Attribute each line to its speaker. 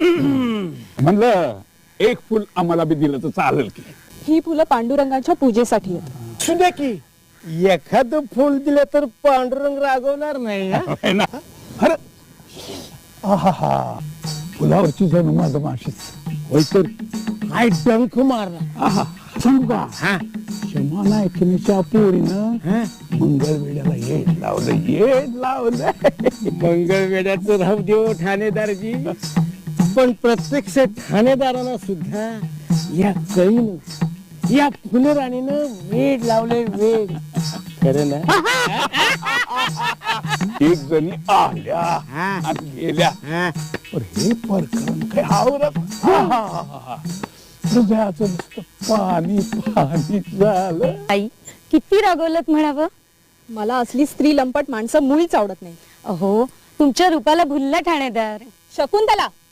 Speaker 1: म्हणलं एक फुल आम्हाला बी दिलं तर चालेल की.
Speaker 2: ही फुलं पांडुरंगाच्या पूजेसाठी आहेत.
Speaker 3: सुद्धा की एखादं फुल दिलं तर पांडुरंग रागवणार नाही हा?
Speaker 1: है ना? अरे आहा फुलावरची जणू माझं माशीच होय तर.
Speaker 3: काय डंख मारला.
Speaker 1: आहा सांगू का
Speaker 3: हा
Speaker 1: क्षमा नायकिनीच्या पोरीनं
Speaker 3: हा?
Speaker 1: मंगळवेड्याला येड लावलं.
Speaker 3: मंगळवेड्याचं राहू देव ठाणेदारजी, पण प्रत्यक्ष ठाणेदारांना सुद्धा या कळीनं या फुलराणीनं वेड लावले वेड. खरं ना?
Speaker 1: एक जणी आल्या
Speaker 3: हा.
Speaker 1: आणि गेल्या
Speaker 3: हा.
Speaker 1: पण हे प्रकरण काय आवरत. हृदयाचं नुसतं पाणी पाणी झालं.
Speaker 4: आई किती रागवलत म्हणावं.
Speaker 2: मला असली स्त्री लंपट माणसं मुळीच आवडत नाही.
Speaker 4: अहो तुमच्या रूपाला भुलला ठाणेदार.
Speaker 2: शकुंतला